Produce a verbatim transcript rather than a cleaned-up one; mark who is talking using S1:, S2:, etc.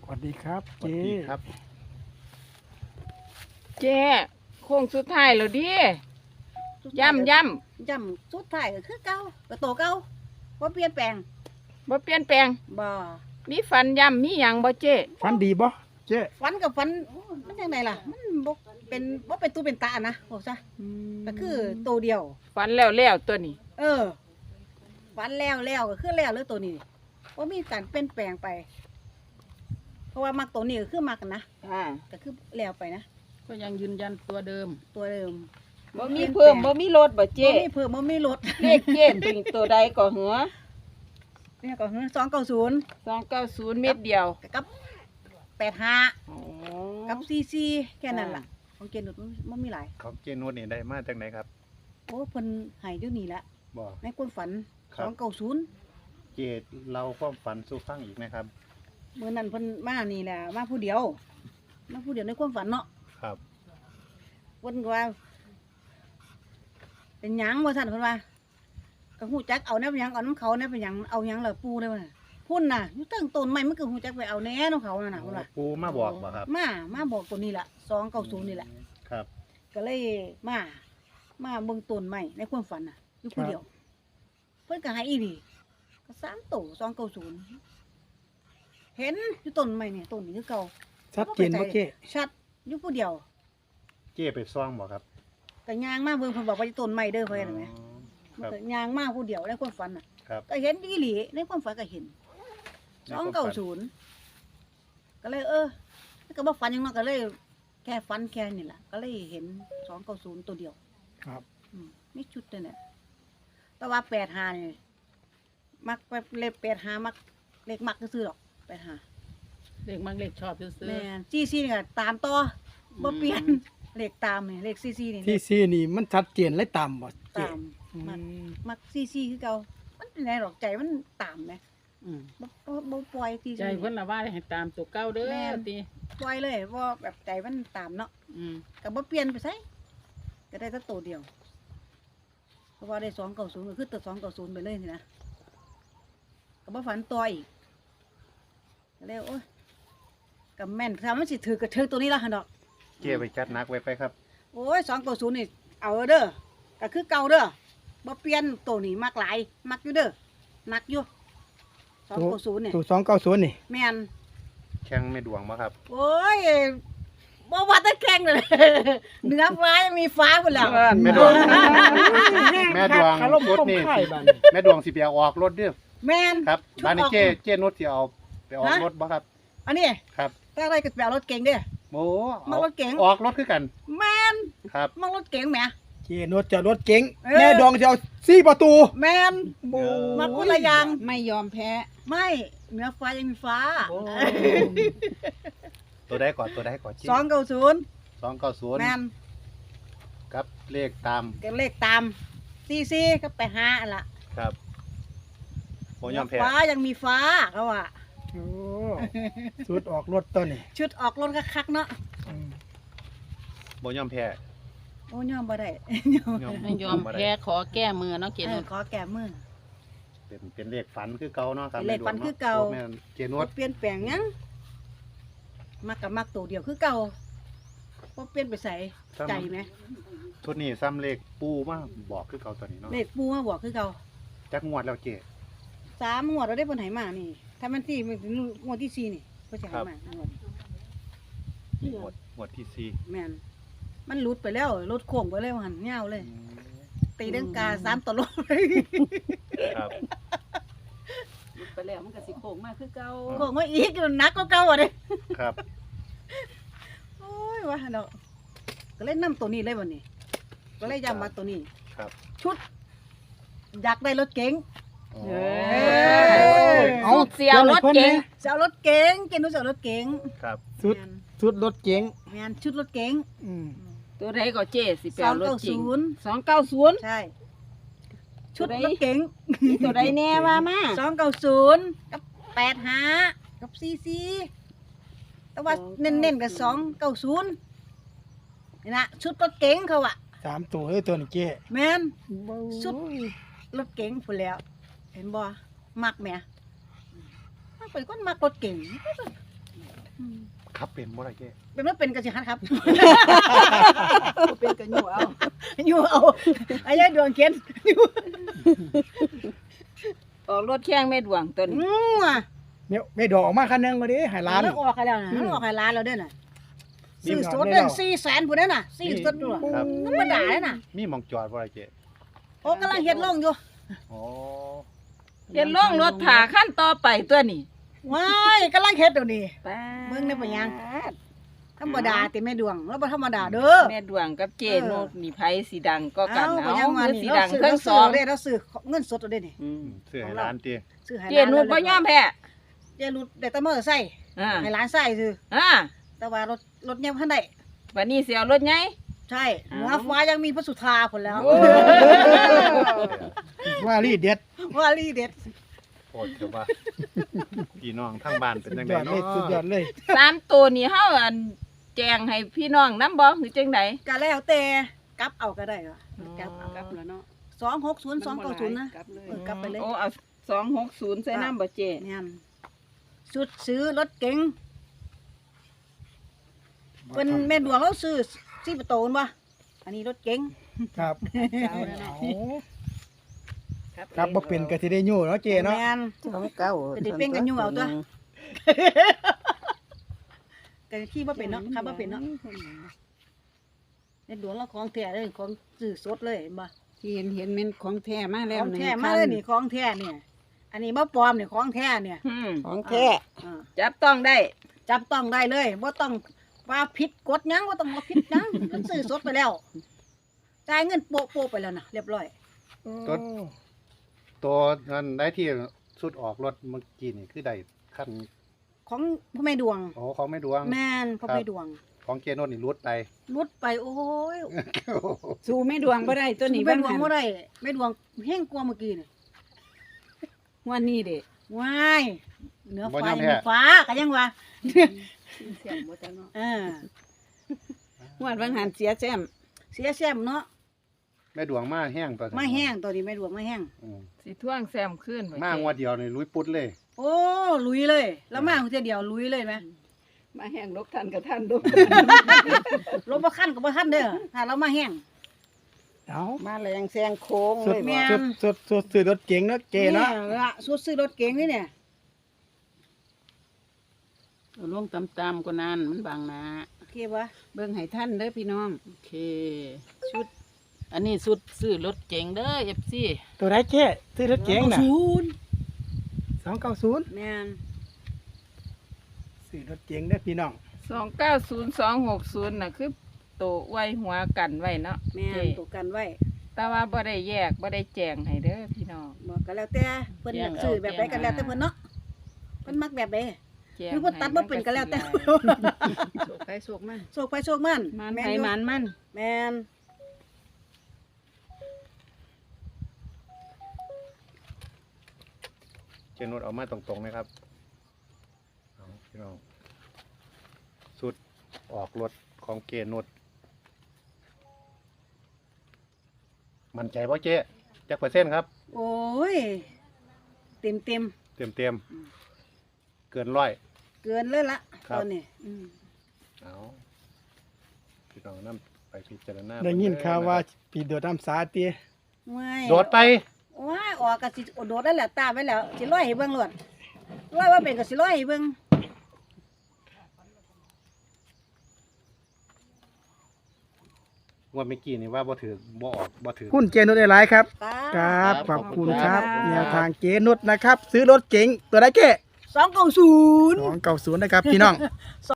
S1: วัสดีครับ
S2: สวัส
S1: เจ๊
S2: ดีครับ
S3: เจ๊โค้งสุดท้ายแล้วดิย่ำย่
S4: ย่ำสุดท้ายก็คือเก่าก็โตเก่าบ่เปลี่ยนแปลง
S3: ำบ่เปลี่ยนแปลง
S4: บ่
S3: มีฟันย่ำมีหยังบ่เจ๊
S1: ฟันดีบ่เจ๊
S4: ฝันกับฝันมันจังไดล่ะ มันบ่เป็นบ่เป็นตู้เป็นตานะบอกซะก็คือโตเดียว
S3: ฟันแล้วแล้วตัวนี้
S4: เออฝันแล้วแล้วก็คือแล้วเลยตัวนี้บ่มีการเปลี่ยนแปลงไป เพราะว่ามักตัวนี้ก็คือมักนะ
S3: อ่า
S4: ก็คือแล้วไปนะ
S5: ก็ยังยืนยันตัวเดิม
S4: ตัวเดิม
S3: บ่มีเพิ่มบ่มีลดบ่
S4: บ่
S3: เจ๊
S4: มีเพิ่มบ่มีลด
S3: เลขเจ๊เป็นตัวใดก็เหรอ
S4: เนี่ยก็คือสองเก้าศูนย์
S3: สองเก้าศูนย์เม็ดเดียว
S4: กับแปดห้า
S3: อ๋อ
S4: กับซีซีแค่นั้นล่ะของเกณฑ์นุดมันมีหลาย
S2: ของเจนุชนี่ได้มาจากไหนครับ
S4: โอ้เพิ่นให้เดี๋ยวนี้ละ
S2: บอก
S4: ในความฝัน
S2: ค
S4: ส
S2: รับ
S4: องเก้าศูนย์
S2: เจเราความฝันสู่ฟังอีกนะครับ
S4: เมื่อนั้นเพิ่นมานี่แหละมาผู้เดียวมาผู้เดียวในความฝันเนาะ
S2: ครับ
S4: เพิ่นก็ว่า เป็นหยังว่าซั่นเพิ่นว่าก็ฮู้จักเอาแนวหยังเอาน้ำเขาแนวเป็นหยังเอาหยังล่ะปู่เลยว่าพุ่นน่ะอยู่ตั้งต้นไม้มันก็ฮู้จักไปเอาแหน่ของเขานั่นน่ะเพิ่นว่า
S2: ปูมาบอกบ่ครับ
S4: มามาบอกตัวนี้ล่ะสองเก้าศูนย์นี่แหละ
S2: ครับ
S4: ก็เลยมา มาเบิ่งต้นไม้ในความฝันน่ะ อยู่ผู้เดียว เพิ่นก็ให้อีหลีก็สามโตสองเก้าศูนย์เห็นอยู่ต้นไม้เนี่ยต้นนี้คือเก่า
S1: ชัดเจนบ่เจ๊
S4: ชัดอยู่ผู้เดียว
S2: เจไปซ่องบ่ครับ
S4: ก็ย่างมาเบิ่งเพิ่นบอกว่าอยู่ต้นไม้เด้อเพิ่นเห็นไหม
S2: อ๋อ
S4: มัน
S2: ครับ
S4: ก็ย่างมาผู้เดียวในความฝันน่ะ
S2: ครับ
S4: ก็เห็นอีหลีในความฝันก็เห็นสองเก้าศูนย์ก็เลยเออก็บ่ฝันหยังเนาะก็เลย แค่ฝันแค่นี่ล่ะก็เลยเห็นสองเก้าศูนย์ตัวเดียว
S1: ครับ
S4: อืมมีชุดนั่นแหละแต่ว่าแปดหานี่มักไปเลขแปดหามักเลขมักก็ซื้อหรอกแปดหา
S5: เลขมักเลขชอบซื้อ
S4: แม่นซีซีนี่ก็ตามต่อบ่เปลี่ยนเลขตามนี่เลขซีซีนี่
S1: ที่ซีนี่มันชัดเจนเลยตามบ่เจ๊
S4: ตาม
S1: อื
S4: มัก
S1: ม
S4: มักซีซีคือเก่ามันเป็นไรหรอกใจมันตามไหม
S5: อืม
S4: บ่บ่บ่ปล่อยซี
S5: ใจ
S4: ซี
S5: เพิ่นละว่าให้ตามตัวเก้าเด้
S4: แม่
S5: อน ติ
S4: ปล่อยเลยว่าแบบใจมันตามเนาะ
S5: อืม
S4: ก็บ่เปลี่ยนไปไสก็ได้แต่ตัวเดียวเพราะว่าได้สองเก้าศูนย์ก็คือตัวสองเก้าศูนย์ไปเลยนี่นะก็บ่ฝันต่ออีกก็เลยโอ้ยก็แม่นถ้ามันสิถือก็ถือตัวนี้ละหั่นดอก
S2: เจไปจัดหนักไว้ไปครับ
S4: โอ้ยสองเก้าศูนย์นี่เอาเด้อก็คือเก่าเด้อบ่เปลี่ยนตัวนี้มักหลายมักอยู่เด้อมักอยู่สองเก้าศูนย์นี่
S1: ตัวสองเก้าศูนย์นี่
S4: แม่น
S2: แข่งไม่ดวงบ่ครับ
S4: โอ้ยบ่ว่าแตะแข่งเลย เหนือฟ้ายังมีฟ้าพุ่นแล้ว
S2: แม่ดวง แม่ดวง
S1: คารม
S2: รถ
S1: คม
S2: นี่
S1: ไข่บัด
S2: แม่ดวงสิไปเอาออกรถเด้อ
S4: แม่น
S2: ครับ
S4: ชุด
S2: บ้านนี้
S4: ออก
S2: เจเจนุชสิเอาไปออก
S4: ฮะ
S2: รถบ่ครับ
S4: อันนี้
S2: ครับ
S4: ถ้าอะไรก็แปลรถเก๋งเด้อ
S2: โอ้
S4: มารถเก๋ง
S2: ออกรถคือกัน
S4: แม่น
S2: ครับ
S4: มารถเก๋งแหม
S1: เจ๊นวดจะรถเก๋ง
S4: เออ
S1: แม่ดองจะเอาสี่ประตู
S4: แม่น
S1: โอ้
S4: มาคนละอย่าง
S5: ไม่ยอมแพ้
S4: ไม่เหนือฟ้ายังมีฟ้า
S2: ตัวได้ก่อนตัวได้ก่อนเจ
S4: สองเก้าศูนย์
S2: สองเก้าศูนย์
S4: แม่น
S2: ครับเลขตาม
S4: ก็เลขตามซีซีก็ไปหาอันละ
S2: ครับโมยอมแพ้
S4: ฟ้ายังมีฟ้าเขาว่า
S1: โอ้สุดออกรถตัวนี่
S4: ชุดออกรถคักๆเนาะ
S1: อืม
S2: โมยอมแพ้
S4: โอ้ยอมบ่ได้
S5: ไม่ยอมแพ้ขอแก้มือเนาะเก
S4: เอ
S5: นุ
S4: อขอแก้มือ
S2: เป็นเป็นเลขฝันคือเก่าเนาะครับ
S4: เป็นเลขฝันคือเก่า
S2: แม่นเจนว
S4: บ่
S2: ด
S4: เปลี่ยนแปลงหยังมักกับมักตัวเดียวคือเก่าบ่เปลี่ยนไปใส่ใจไหม
S2: ชุดนี้ซ้ำเลขปูมาบอกคือเก่าตัวนี้เนาะ
S4: เลขปูมาบอกคือเก่า
S2: จักงวดแล้วเจ
S4: สามงวดเราได้เพิ่นให้มานี่ ถ้ามันที่มันถึงงวดที่สี่นี่เพิ่นจะให้มางวด
S2: งวดงวดที่สี่
S4: แม่นมันหลุดไปแล้วรถโค้งไปเลยว่าหั่นยาวเลย ตีดังกาสามตลบเลย
S2: ครับ
S5: ไปแล้วมันก็สิโค้งมาคือเก่า
S4: โค้งมาอีกมันหนักกว่าเก่าอ่ะเด้
S2: ครับ
S4: โอ้ยว่าหั่นดอกก็เลยนํตัวนี้เลยวันนี้ ก็เลยย้ำมาตัวนี้
S2: ครับ
S4: ชุด อยากได้รถเก๋ง
S2: อ๋อ
S4: เออ
S3: เอาเสียวรถเก๋ง
S4: จะเอารถเก๋งเกณฑ์รู้จะเอารถเก๋ง
S2: ครับ
S1: สุด
S4: แม่น
S1: สุดรถเก๋ง
S4: แม่นชุดรถเก๋ง
S1: อืม
S3: ตัวใดก็เจ๊สิไปเอารถจริง
S4: สองเก้าศูนย์
S3: สองเก้าศูนย์
S4: ใช่ ชุด
S3: ตัวใด
S4: รถเก๋ง
S3: มีตัวใดแน่ว่ามา
S4: สองเก้าศูนย์กับแปดห้ากับซีซีแต่ว่าเน้นๆกับสองเก้าศูนย์นี่นะชุดรถเก๋งเขาอะ
S1: สามตัวเลยตัวนี่เจ๊
S4: แม่น สุด
S1: โอ้ย
S4: รถเก๋งพู้นแล้ว เห็นบ่มักแหม่มักเป็นคนมักรถเก๋ง
S2: ขับเป็นบ่ล่ะเจ๊
S4: เป็นว่าเป็นกันสิฮัดครับ
S5: บ่เป็นก็อยู่เอา
S4: อยู่เอาไอ้ยายดวงเข็นอยู่
S3: ออกรถแข่งแม่ดวงตัวนี้
S4: อืมอ่ะ
S1: เนี่ยไม่ดอกออกมาคันหนึงมาดิให้ร้าน
S4: แล้วออกให้แล้วนะ
S1: อืม
S4: แล้วออกให้ร้านเราเด้อน่ะ
S1: นี่
S4: ซื้อ
S1: มัน
S4: ส
S1: ออก
S4: ด
S1: ได้
S4: เด้อ
S1: แล้ว
S4: สี่แสนพุ่นเด้อน่ะสี่สดด้วย
S2: ครับ
S4: ธรรมดาเด้อน่ะ
S2: มีหมองจอดบ่ล่ะเจ๊
S4: โอ้กำลังเฮ็ดลงอยู่
S2: อ๋อ
S3: เฮ็ดล่องรถถาขั้นต่อไปตัวนี้
S4: ว้ายกำลังเฮ็ดเดี๋ยวนี้
S3: ป๊าด
S4: เบิ่งได้ปะยัง ธรรมดาติแม่ดวงแล้วบ่ธรรมดาเด้อ
S3: แม่ดวงกับเจ
S4: เออ
S3: โนดนี่ไผสีดังก็กัน
S4: เอ้า
S3: เอา
S4: บ่ยังว่า
S3: คือ
S4: นี่
S3: สี
S4: เรา
S3: ดัง
S4: ซื้อ
S3: ทั้
S4: เรา
S3: งส
S4: ซื้
S3: อ
S4: อง เราได้เราซื้อเงินสดเอาได้นี่
S3: อืม
S2: เสื้อให้ร้านเจ๊
S4: ซื้อให้
S3: เจ
S4: ร้าน
S3: โนดบ่ยอมแพ้
S4: เจนุดได้แต่มอเตอร์ไซค์
S3: อ่า
S4: ให้ร้านใส่ซื้อ
S3: อ่า
S4: แต่ว่ารถรถยังบ่ทันได้
S3: วันนี้สิเอารถไง
S4: ใช่
S3: อ้าว
S4: หัวฟ้ายังมีพระสุธาพุ่นแล้ว
S3: โอ้
S1: ว่ารีเด็ด
S4: ว่าลีเด็ด
S2: โคตรจะว่าพี่น้องทั้งบ้านเป็น
S1: สุ
S2: จั
S1: ด
S2: ง
S1: ย
S2: ได
S1: อดเล
S2: เนาะ
S1: ยสุดยอดเลย
S3: สามตัวนี้เฮาอันแจงให้พี่น้องนำบ่หรือจังได
S4: ก็แล้วแต่กลับเอาก็ได้ว่ะ
S3: อ๋อ
S4: กลับเอา
S5: กลับแล้วเนาะ
S4: สองหกศูนย์สองเก้าศูนย์นะ
S5: กลับเลย
S4: เออกลับไปเลย
S3: โอ้เอาสองหกศูนย์ใส่น้ำบ่เจ
S4: แม่นชุดซื้อรถเก๋งเป็นแม่ดวงเราซื้อสี่ประตูนบ่อันนี้รถเก๋ง
S1: ครับ
S5: เช้าแล้วเนาะ
S1: เอาครับบ่เป็นก็สิได้อยู่เนาะเจเนาะ
S4: แม่น
S3: สองเก้า
S4: จะได้เป็นกันอยู่เอาตัว ก็ขี้บ่เป็นเนาะขับบ่เป็นเนาะแม่ดวงเราของแท้เลยของซื้อสดเลยเห็นบ่
S5: ที่เห็นเห็นมันของแท้มาแล้
S4: ข
S5: ว
S4: องแท้
S5: หนึ่ง
S4: มาเลยนี่ของแท้เนี่ย อันนี้บ่ปลอมนี่ของแท้เนี่ย
S3: อืม
S5: ของแท้
S4: อ่า
S3: จับต้องได้
S4: จับต้องได้เลยบ่ต้องว่าผิดกฎหยังบ่ต้องว่าผิดหยังมันซื้อสดไปแล้วจ่ายเงินโปะโปะไปแล้วนะเรียบร้อย
S2: ตัวตัวนั้นได้ที่สุดออกรถเมื่อกี้นี่คือได้ขั้น
S4: ของพ่อแม่ดวง
S2: โอ้ของแม่ดวง
S4: แม่นพ่อแม่ดวง
S2: ของเจโนนนี่รุดไป
S4: รุดไปโอ้ย
S5: สู้แม่ดวงบ่ได้ตัวนี้
S4: แม่
S5: บ้าง
S4: ดวง
S5: หัน
S4: บ่ได้แม่ดวงเฮงกว่าเมื่อกี้นี่
S5: วันนี้เด้
S4: ว้ายเหนือ
S2: บ่
S4: ฟ้าย
S2: อมแพ้
S4: เหนือฟ้าก็ยังว่า
S5: เสียงบ่จังเนาะ
S4: เออ
S5: วันบางหันเสียแซม
S4: เสียแซมเนาะ
S2: แม่ดวงมาแห้งตัว
S4: มาแห้งตัวนี้แม่ดวงมาแห้ง
S2: อืม
S3: สิท่วงแซมขึ้นบ่
S2: มางวดเดียวนี่ลุยปุ๊ดเลย
S4: โอ้ลุยเลย แล้วมาเทียเดียวลุยเลยไหม
S5: มาแห้งลกทันกับท่านดู
S4: รถบ่คันก็บ่ทันเด้อถ้าเรามาแห้ง
S1: เอา
S5: มาแรงแซงโค้ง
S1: สุ
S5: เล
S1: ด
S5: ย
S4: แม่
S5: บ่
S1: สุดสุดสุดซื้อรถเก๋งเนาะเจเนาะ
S4: ละสุดซื้อรถเก๋งนี่เนี่ย
S5: เอาลงตามๆกว่านั้นมันบางหนา
S4: โอเคปะ
S5: เบิ่งให้ท่านเด้อพี่น้อง
S6: โอเค ชุด อันนี้สุดซื้อรถเก๋งเด้อเอฟซี
S1: ตัวไหนเจซื้อรถเก๋งน่ะ
S4: ศูนย์
S1: สองเก้าศูนย์
S4: แม่น
S1: ซื้อรถเก๋งเด้อพี่น้อง
S3: สองเก้าศูนย์สองหกศูนย์น่ะคือโตไว้หัวกันไว้เนาะ
S4: แม่
S3: เจ
S4: นตกกันไว้
S3: แต่ว่าบ่ได้แยกบ่ได้แจงให้เด้อพี่น้อง
S4: บอกกันแล้วแต่เพิ่นอยากซื้อแบบใดกันแล้วแต่เพิ่นเนาะเพิ่นมักแบบใด
S3: แจง
S4: หรือว่าตัดบ่เป็นก็แล้วแต่
S5: โชคไปโชคมา
S4: โชคไปโชคมัน
S3: มัน
S4: แม่
S3: ไผ
S4: อยู่
S3: มันมัน
S4: แม่น
S2: เจโนนเอามาตรงๆนะครับเอาพี่น้องสุดออกรถของเจโนนมั่นใจว่าเจ๊จักเปอร์เซ็นต์ครับ
S4: โอ้ยเต็มเต็ม
S2: เต็มเต็มๆเกินร้อย
S4: ๆเกินเลยละ
S2: ครับ
S4: ตอนนี้อืม
S2: เอาพี่น้องนั่ไปพิจารณา
S1: ได้ยิน
S2: เบิ่ง
S1: ข่าวว่า
S2: ะครับ
S1: ปีโดดน้ำสาเตีย
S4: ไม่
S2: โดดไป
S4: ว้ายออกก็สิโดดได้แหละตามไว้แล้วสิร้อยให้เบิ่งโลดร้อยว่าเป็นก็สิร้อยให้เบิ่ง
S2: งวดเมื่อกี้นี่ว่าบ่ถือบ่ออกบ่ถือ
S1: หุ้นเจนุชได้หลายครับ
S4: ตา
S1: ครับขอบคุณครับ
S4: ครับ
S1: แนวทางเจนุชนะครับ ซื้อรถเก๋งตัวไหนเจ
S4: สองเก้าศูนย์
S1: สองเก้าศูนย์นะครับพี่น้อง